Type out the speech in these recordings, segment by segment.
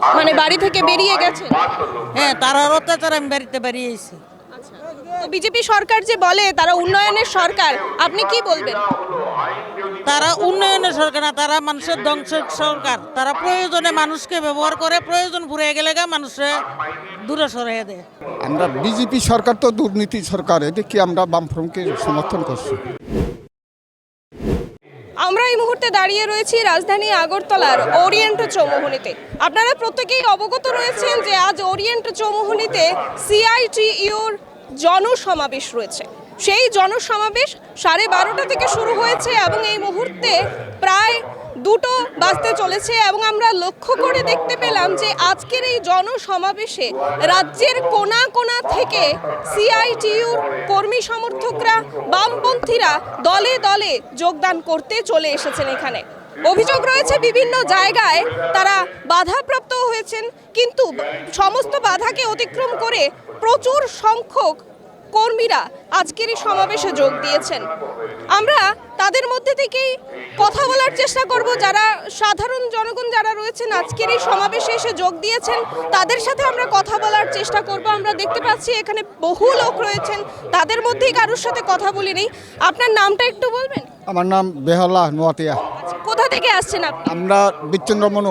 মানে বাড়ি থেকে বেরিয়ে গেছে? হ্যাঁ, তারার অত্যাচার আমি বাড়িতে বেরিয়েছি। তো বিজেপি সরকার যে বলে তারা উন্নয়নের সরকার, আপনি কি বলবেন? তারা উন্নয়নের সরকার না, তারা মানুষের ধ্বংসের সরকার। তারা প্রয়োজনে মানুষকে ব্যবহার করে, প্রয়োজন ফুরিয়ে গেলে মানুষে দূরে সরিয়ে দেয়। আমরা বিজেপি সরকার তো দুর্নীতি সরকার, এদিকে আমরা বামফ্রন্টকে সমর্থন করছি। আমরা এই মুহূর্তে দাঁড়িয়ে রয়েছি রাজধানী আগরতলার ওরিয়েন্ট চৌমুহনীতে। আপনারা প্রত্যেকেই অবগত রয়েছেন যে আজ ওরিয়েন্ট চৌমুহনীতে সিআইটিইউর জনসমাবেশ রয়েছে। সেই জনসমাবেশ 12:30 থেকে শুরু হয়েছে এবং এই মুহূর্তে প্রায় 2টো বাজতে চলেছে এবং আমরা লক্ষ্য করে দেখতে পেলাম যে আজকের এই জনসমাবেশে রাজ্যের কোনা কোনা থেকে সিআইটিইউর কর্মী সমর্থকরা, বামপন্থীরা দলে দলে যোগদান করতে চলে এসেছেন এখানে। অভিযোগ রয়েছে বিভিন্ন জায়গায় তারা বাধাপ্রাপ্ত হয়েছেন, কিন্তু সমস্ত বাধাকে অতিক্রম করে প্রচুর সংখ্যক কর্মীরা আজকের এই সমাবেশে যোগ দিয়েছেন। আমরা তাদের মধ্যে থেকেই কথা বলার চেষ্টা করব, যারা সাধারণ জনগণ যারা রয়েছেন আজকের এই সমাবেশে এসে যোগ দিয়েছেন তাদের সাথে আমরা কথা বলার চেষ্টা করব। আমরা দেখতে পাচ্ছি এখানে বহু লোক রয়েছেন, তাদের মধ্যেই কারোর সাথে কথা বলিনি। আপনার নামটা একটু বলবেন? আমার নাম বেহালা নোয়াতিয়া। কোথা থেকে আসছেন আপনি? আমরা বিচ্চন্দ্র মনু।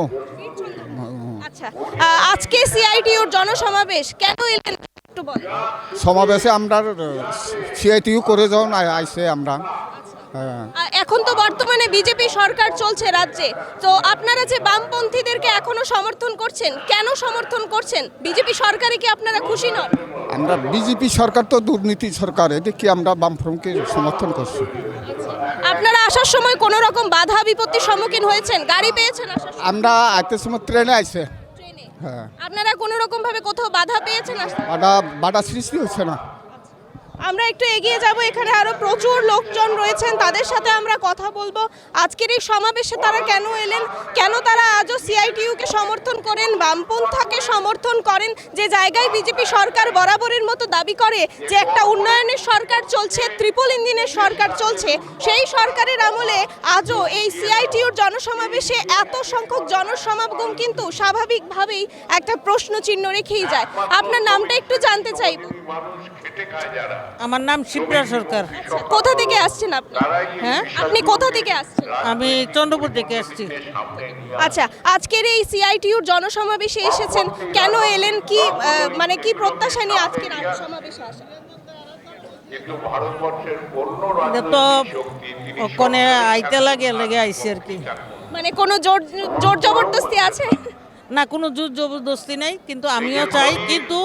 আচ্ছা, আজকে সিআইটিইউর জনসমাবেশ কেন এলেন একটু বলেন। সমাবেশে আমরা সিআইটিইউ করে যখন আইসে আমরা। হ্যাঁ, এখন তো বর্তমানে বিজেপি সরকার চলছে রাজ্যে, তো আপনারা যে বামপন্থীদেরকে এখনো সমর্থন করছেন, কেন সমর্থন করছেন? বিজেপি সরকারে কি আপনারা খুশি নন? আমরা বিজেপি সরকার তো দুর্নীতি সরকার, এদিকে আমরা বামফ্রন্টকে সমর্থন করছি। আপনারা আসার সময় কোনো রকম বাধা বিপত্তির সম্মুখীন হয়েছেন? গাড়ি পেয়েছেন আসার সময়? আমরা আইতে সময় ট্রেনে আইসে। ট্রেনে? হ্যাঁ, আপনারা কোনো রকম ভাবে কোথাও বাধা পেয়েছেন আসতে? বাধা সৃষ্টি হচ্ছে না। আমরা একটু এগিয়ে যাব, এখানে আরো প্রচুর লোকজন রয়েছেন, তাদের সাথে আমরা কথা বলবো। আজকের এই সমাবেশে তারা কেন এলেন, কেন তারা আজও সিআইটিইউকে সমর্থন করেন, বামপন্থাকে সমর্থন করেন, যে জায়গায় বিজেপি সরকার বরাবরের মতো দাবি করে যে একটা উন্নয়নের সরকার চলছে, ট্রিপল ইঞ্জিনের সরকার চলছে, সেই সরকারের আমলে আজও এই সিআইটিইউর জনসমাবেশে এত সংখ্যক জনসমাগম কিন্তু স্বাভাবিকভাবেই একটা প্রশ্ন চিহ্ন রেখেই যায়। আপনার নামটা একটু জানতে চাইব। আমার নাম শিপ্রা সরকার। কোথা থেকে আসছেন আপনি? হ্যাঁ, আপনি কোথা থেকে আসছেন? আমি চন্দ্রপুর থেকে আসছি। আচ্ছা, আজকের এই সিআইটিইউর জনসমাবেশে এসেছেন, কেন এলেন, কি মানে কি প্রত্যাশা নিয়ে আজকের সমাবেশে আসা? এটা তো ওখানে আইতে লাগে লেগে আইসি আর কি। মানে কোনো জোর জোর জবরদস্তি আছে? না, কোনো জোর জবরদস্তি নেই, কিন্তু আমিও চাই, কিন্তু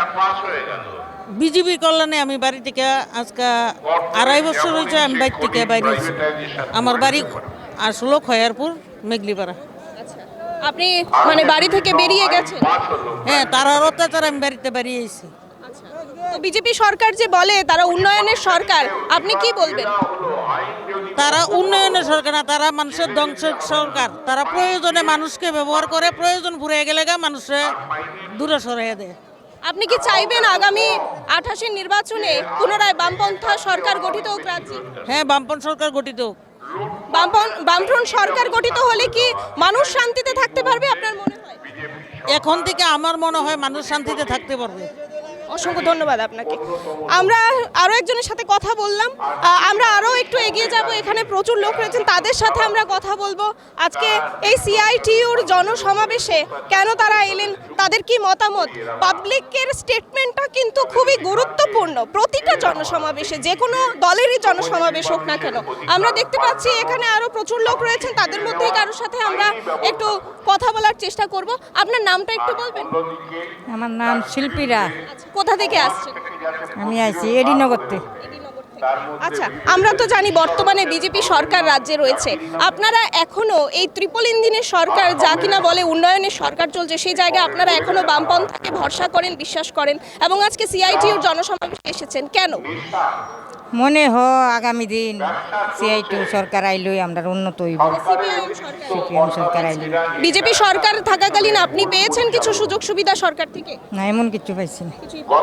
বিজেপির কল্যাণে আমি বাড়ি থেকে আজকে 2.5 বছর হয়েছে আমি বাড়ি থেকে বাইরেছি। আমার বাড়ি আসলো খয়ারপুর মেঘলিপাড়া। আপনি মানে বাড়ি থেকে বেরিয়ে গেছেন? হ্যাঁ, তারার অত্যাচার আমি বাড়িতে বেরিয়েছি। তো বিজেপি সরকার যে বলে তারা উন্নয়নের সরকার, আপনি কি বলবেন? তারা উন্নয়নের সরকার না, তারা মানুষের ধ্বংসের সরকার। তারা প্রয়োজনে মানুষকে ব্যবহার করে, প্রয়োজন ফুরিয়ে গেলে মানুষে দূরে সরিয়ে দেয়। আপনি কি চাইবেন আগামী 28-এর নির্বাচনে পুনরায় বামপন্থা সরকার গঠিত হোক রাজ্যে? হ্যাঁ, বামপন্থ সরকার গঠিত হোক। বামফ্রন্ট সরকার গঠিত হলে কি মানুষ শান্তিতে থাকতে পারবে আপনার মনে হয়? এখন থেকে আমার মনে হয় মানুষ শান্তিতে থাকতে পারবে। অসংখ্য ধন্যবাদ আপনাকে। আমরা আরও একজনের সাথে কথা বললাম, আমরা আরও একটু এগিয়ে যাব, এখানে প্রচুর লোক রয়েছেন, তাদের সাথে আমরা কথা বলবো। আজকে এই সিআইটিইউর জনসমাবেশে কেন তারা এলেন, তাদের কি মতামত। পাবলিকের স্টেটমেন্টটা কিন্তু খুবই গুরুত্বপূর্ণ প্রতিটা জনসমাবেশে, যে কোনো দলেরই জনসমাবেশ হোক না কেন। আমরা দেখতে পাচ্ছি এখানে আরও প্রচুর লোক রয়েছেন, তাদের মধ্যেই কারোর সাথে আমরা একটু কথা বলার চেষ্টা করব। আপনার নামটা একটু বলবেন? আমার নাম শিল্পীরা। কোথা থেকে আসছেন? আমি আইছি এডিনগরতে। আচ্ছা, আমরা তো জানি বর্তমানে বিজেপি সরকার রাজ্যে রয়েছে, আপনারা এখনো এই ট্রিপল ইঞ্জিনের সরকার যা কিনা বলে উন্নয়নের সরকার চলছে, সেই জায়গায় আপনারা এখনো বামপন্থাকে ভরসা করেন, বিশ্বাস করেন, এবং আজকে সিআইটিইউর জনসমাবেশে এসেছেন কেন? মনে হ আগামী দিন সিআইটিউ সরকার আইলই আমরা উন্নত হইব। সিপিএম সরকার আইলই। বিজেপি সরকার থাকাকালীন আপনি পেয়েছেন কিছু সুযোগ সুবিধা সরকার থেকে? না, এমন কিছু পাইছি না।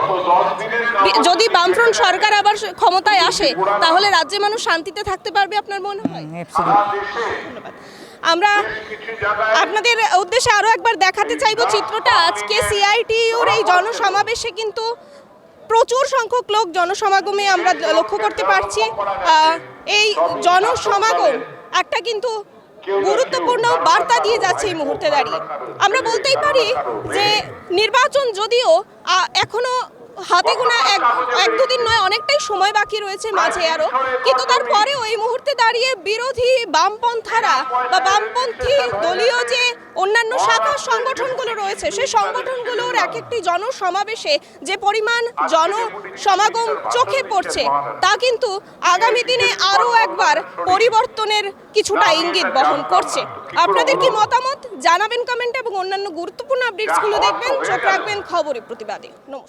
যদি বামফ্রন্ট সরকার আবার ক্ষমতায় আসে তাহলে রাজ্যে মানুষ শান্তিতে থাকতে পারবে আপনার মনে হয়? অ্যাবসলিউট। ধন্যবাদ। আমরা আপনাদের উদ্দেশ্যে আরো একবার দেখাতে চাইবো চিত্রটা। আজকে সিআইটিইউর এই জনসমাবেশে কিন্তু প্রচুর সংখ্যক লোক জনসমাগমে আমরা লক্ষ্য করতে পারছি। এই জনসমাগম একটা কিন্তু গুরুত্বপূর্ণ বার্তা দিয়ে যাচ্ছে এই মুহূর্তে দাঁড়িয়ে। আমরা বলতেই পারি যে নির্বাচন যদিও এখনো হাতে গোনা এক দুদিন নয়, অনেকটাই সময় বাকি রয়েছে মাঝে আরো, কিন্তু তারপরেও এই মুহূর্তে দাঁড়িয়ে বিরোধী বামপন্থারা বা বামপন্থী দলীয় যে অন্যান্য শাখা সংগঠনগুলো রয়েছে সেই সংগঠনগুলোর এক একটি জনসমাবেশে যে পরিমাণ জনসমাগম চোখে পড়ছে তা কিন্তু আগামী দিনে আরও একবার পরিবর্তনের কিছুটা ইঙ্গিত বহন করছে। আপনাদের কি মতামত জানাবেন কমেন্টে, এবং অন্যান্য গুরুত্বপূর্ণ আপডেটসগুলো দেখবেন, চোখ রাখবেন খবরে প্রতিবাদে। নমস্কার।